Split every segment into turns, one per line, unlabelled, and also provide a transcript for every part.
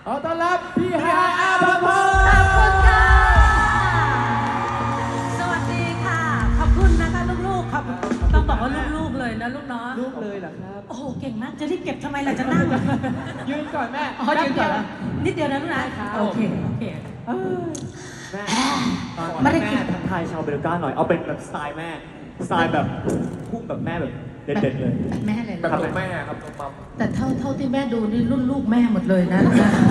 ขอต้อนรับพี่ฮายอาภพร
ขอบคุณค่ะสวัสดีค่ะขอบคุณนะคะลูกๆครับต้องบอกว่าลูกๆเลยนะลูกเนาะ
ลูกเลยเหรอครับ
โอ้โหเก่งมากจะรีบเก็บทำไมล่ะจะนั่ง
ยืนก่อนแม่
อ๋อยืนก่อนเหรอนิดเดียวนะลูกนะโอเค
แม่
ไม่ได้กิน
แม่ทักทายชาวเบลก้าหน่อยเอาเป็นแบบสไตล์แม่สไตล์แบบพุ่งแบบแม่แบบเด็ดๆเลย
แบบแม่เลย
แบบแม่ครับมัม
แต่เท่าที่แม่ดูนี่รุ่นลูกแม่หมดเลยนะ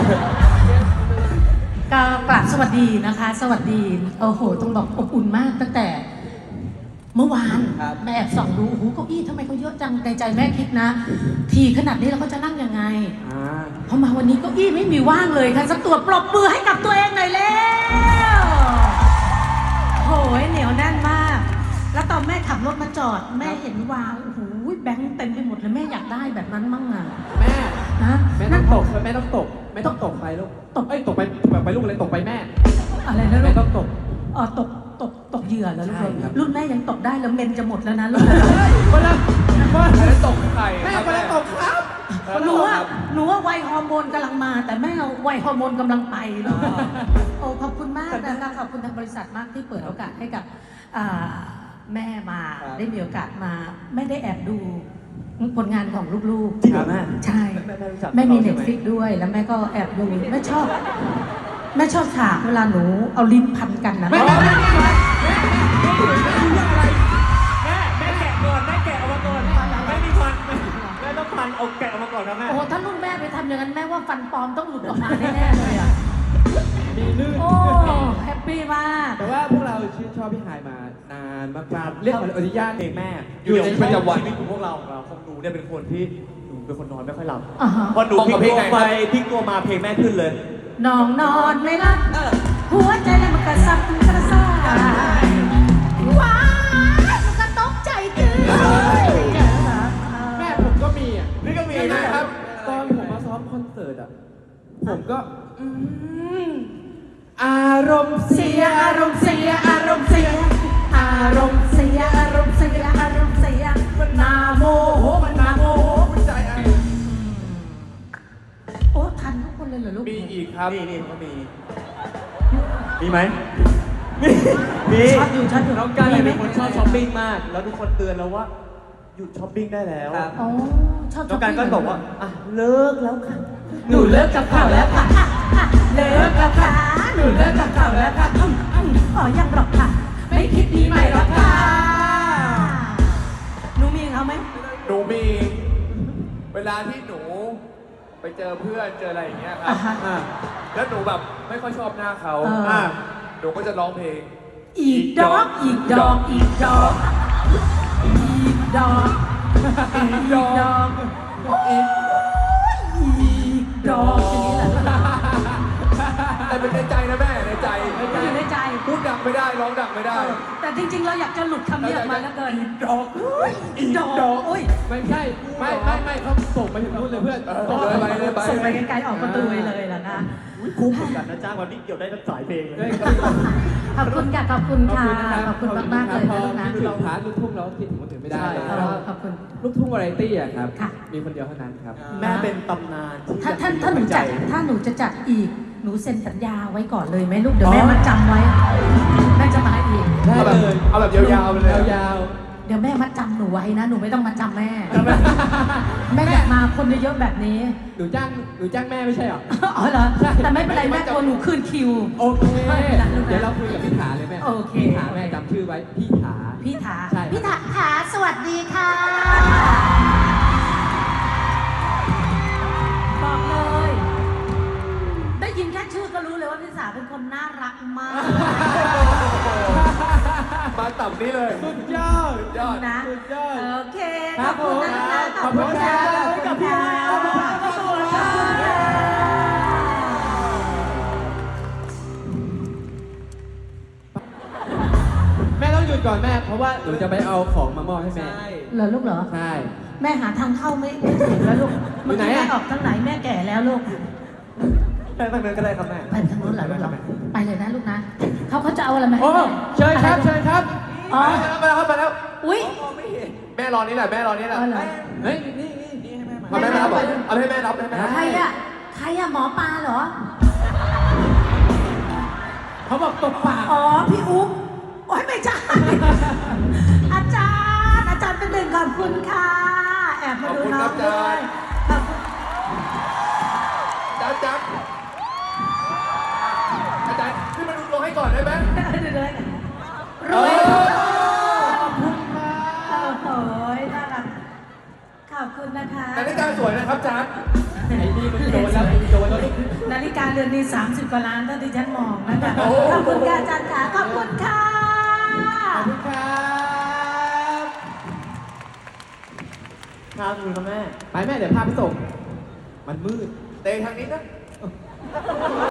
ก็กราบสวัสดีนะคะ สวัสดีโอ้โหต้องบอกอบอุ่นมากตั้งแต่ เมื่อวานแม่แอบส่องดูโอ้โหเก้าอี้ทำไมเขาเยอะจังในใจแม่คิดนะ ทีขนาดนี้เราก็จะนั่งยังไงพอมาวันนี้เก้าอี้ไม่มีว่างเลยค่ะสักตัวปรบมือให้กับตัวเองหน่อยแล้วโหยเหนียวแน่นมาก แล้วตอนแม่ขับรถมาจอดแม่เห็นวางโอ้โหแบงค์เต็มไปหมดเลยแม่อยากได้แบบนั้นมั่งอ่ะ
แม่
นะ
แม่ต้องตกแม่ต้องตกแม่ต้องตกไปลูกตกตกไปแบบไปลูกเลยตกไปแม่
อะไรนะลู
แม่
ก
ต้องตก
อ๋อตกเหยื่อแล้วลูก
ใช่ครับ
รุ่นแม่ยังตกได้แล้วเมนจะหมดแล้วนะลูก
คนละคน
แล้วตกไข่
แม่คนละตกครับ
หนูว่าวัยฮอร์โมนกำลังมา แต่แม่เราวัยฮอร์โมนกำลังไปเนาะโอ้ขอบคุณมากนะคะขอบคุณทางบริษัทมากที่เปิดโอกาสให้กับแม่มาได้มีโอกาสมาไม่ได้แอบดูผลงานของลูกๆ
จริงเหรอแม่
ใช่
แม่รู้จัก
แม่มี
รา
เน็
ใช่
ต
ไห
ฟิกด้วยแล้วแม่ก็แอบดูแม่ชอบฉากเวลาหนูเอาลิ้นพันกันนะ
แม่แม่แกะก่อนแม่แกะออกมาก่อน
แม่มีฟันแม่ต้องฟันเอาแกะออกมาก่อนนะแม่
โอ้ถ้ารุ่นแม่ไปทำอย่างนั้นแม่ว่าฟันปลอมต้องหลุดออกมาแน่ๆเลยอ่ะ
มีลื่น
โอ้แฮปปี้มาก
แต่ว่าพวกเราชื่นชอบพี่ฮายมานานมากๆเรียกขออนุญาต
เพลงแม่
อยู่ในประจำวัน
ชีวิตของพวกเราของหนูเนี่ยเป็นคนที่หนูเป็นคนนอนไม่ค่อยหลับ
อ่าฮะ
พอหนูพลิกตัวไปพลิกตัวมาเพลงแม่ขึ้นเลย
น้องนอนไม่หลับหัวใจเลยมันกระซับกระซ่ายว้ายมันก็ตกใจตื่น
แม่ผมก็มีอ่ะ
นี่ก็มี
นะ
นะ
ค
ค
รั
รั
บบ ตอนผมมาซ้อมคอนเสิร์ตอ่ะผมก็อารมณ์เสียอารมณ์เสียอารมณ์เสียอารมณ์เสียอารมณ์เสียอารมณ์เสียมันนาโมโหมันนาโมโหมันใจไอ้
โอ้ทันทุกคนเลยเหรอลูก
มีอีกครับ
นี่ก็มีไหมมี
ชอบอยู่
น้องกันเป็นคน
มีไหม
ชอบช้อปปิ้งมาก แล้วทุกคนเตือนแล้วว่าหยุดช้อปปิ้งได้แล้ว
อ๋อชอบ
น้องกันก็บอกว่าอ่ะเลิกแล้วค่ะ
หนูเลิกกับเขาแล้วค่ะเลิกกับเขาหนูเลิกกับเขาแล้วค่ะอ๋อยังหรอกค่ะ ไม่คิดดีใหม่หรอกค่ะหนูมีเขาไหม
หนูมีเวลาที่หนูไปเจอเพื่อนเจออะไรอย่างเงี้ยครับ แล้วหนูแบบไม่ค่อยชอบหน้าเขาหนูก็จะร้องเพลง
อีกดอกอีกดอกอีกดอกอีกดอกอีกดอกอีกดอกอย่างนี้แหละ
แต่เป็นในใจนะแม่ในใจ
อยู่ในใจ
พูดดังไม่ได้ร้องดังไม่ได้
แต่จริงๆ เราอยากจะหลุดคำนี้ออกมาแล้วเกิน
ดอก
อีกดอกโอ้ย
ไม่ใช่ไม่เขาส่งไปถึงนู่นเลยเพื่อน
ส่งไปไกลๆออกประตูไปเลยล่ะนะ
คุ้มเหมือนกันนะจ้างวันนี้เกี่ยวได้ทั้งสายเพลงเลย
ขอบคุณค่ะขอบคุณค่ะขอบคุณมากๆเลย
พอ
นะลูกนะ
คิดถึงพาร์ทลูกทุ่งเราคิดถึงคนอื่นไม่ได้
ขอบคุณ
ลูกทุ่งวาไรตี้อะครับ
ค่ะ
มีคนเดียวเท่านั้นครับ
แม่เป็นตำนานที่
ถ้าหนูจัดถ้าหนูจะจัดอีกหนูเซ็นสัญญาไว้ก่อนเลยไหมลูกเดี๋ยวแม่มาจำไว้แม่จะมาอีก
ได้
เอาแบบ
เลย
เอาแบบยาวๆไปเลย
ยาว
เดี๋ยวแม่มาจำหนูไว้นะหนูไม่ต้องมาจำแม่แม่อยากมาคนเยอะๆแบบนี้
ๆหนูจ้างแม่ไม่ใช่เหรอ
อ๋อเหรอแต่ไม่เป็นไรแม่กลัวหนูคืนคิว
โอเค เดี๋ยวเราคุยกับพี่ถาเลยแม่
โอเค
พี่ถาแม่จำชื่อไว้พี่ถา
พี่ถา
ใช่
พี่ถาสวัสดีค่ะบอกเลย ได้ยินแค่ชื่อก็รู้เลยว่าพี่ถาเป็นคนน่ารักมาก
มาต่ำนี้เลย
สุดยอด
ยอด
นะ
สุดยอด
โอเค
ค
ข
รั
อ
บบ
คุณนะคะ
ขอบคุณครับ
ขอบคุณ
พี่
ค่ะ
ฮายอาภพร
ขอบคุณค่ะ
แม่ต้องหยุดก่อนแม่ เพราะว่าหนูจะไปเอาของมามอบให้แม่
เหรอลูกเหรอ
ใช่
แม่หาทางเข้าไม่ถึงแล้วลูก
อยู่ไหน
แม่
อะ
ออกทางไหนแม่แก่แล้วลูก
แม่ตั้งนั้นก็ได้ครับแม่
ไปทางนู้นเหรอลูกเหรอไปเลยนะลูกนะเขาจะเอาอะไรมาให้
โอ้
แม่
เชิญครับ เชิญครับ
อ๋อ
มาแล้วครับมาแล้ว
อุ้ย
แม่รอนี่แหละแม่รอนี่แหละ
อ๋อเหรอ
เฮ้ย นี่ให้แม่มา
เอาแม่มารับเหรอเอาให้แม่รับให้แม่รับ
ใครอะใครอะหมอปลาเหรอ
เขาบอกตบปาก
อ๋อ พี่อุ๊บโอ้ยไม่ใช่ อาจารย์เป็นหนึ่งขอบคุณค่ะ แอบมาดูน้องด้วยขอบคุณ
จ๊บอาจารย์ขึ้นมาดูลงให้ก่อนได้ไหม
รวย
ขอบคุณค่ะ
โอ้โหน่ารักขอบคุณนะคะ
นาฬิกาสวยนะครับจ๊บ
ไอ้นี่มันโดนแล้วโดนแล้ว
นาฬิกาเรือนนี้30 กว่าล้านถ้าที่ฉันมองนะคะขอบคุณค่ะอาจารย์ค่ะขอบคุณค่ะ
ขอบคุณครับ
ครับคุณพ่อแม่
ไปแม่เดี๋ยวพาไปส่ง มันมืด
เตะทางนี้นะ